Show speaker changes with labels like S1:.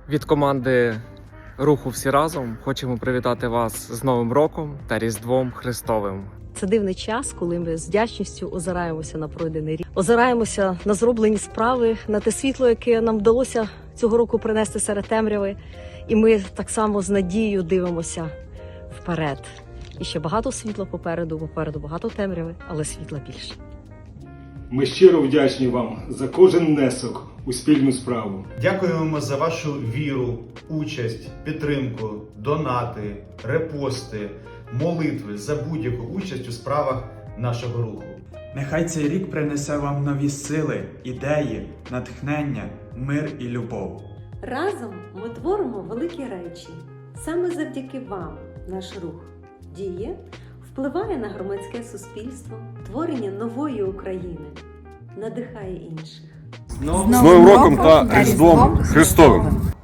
S1: Від команди руху «Всі разом» хочемо привітати вас з Новим роком та Різдвом Христовим.
S2: Це дивний час, коли ми з вдячністю озираємося на пройдений рік, озираємося на зроблені справи, на те світло, яке нам вдалося цього року принести серед темряви. І ми так само з надією дивимося вперед. І ще багато світла попереду багато темряви, але світла більше.
S3: Ми щиро вдячні вам за кожен внесок у спільну справу.
S4: Дякуємо за вашу віру, участь, підтримку, донати, репости, молитви за будь-яку участь у справах нашого руху.
S5: Нехай цей рік принесе вам нові сили, ідеї, натхнення, мир і любов.
S6: Разом ми творимо великі речі. Саме завдяки вам наш рух діє, впливає на громадське суспільство, творення нової України, надихає інших.
S7: З Новим роком та Різдвом Христовим!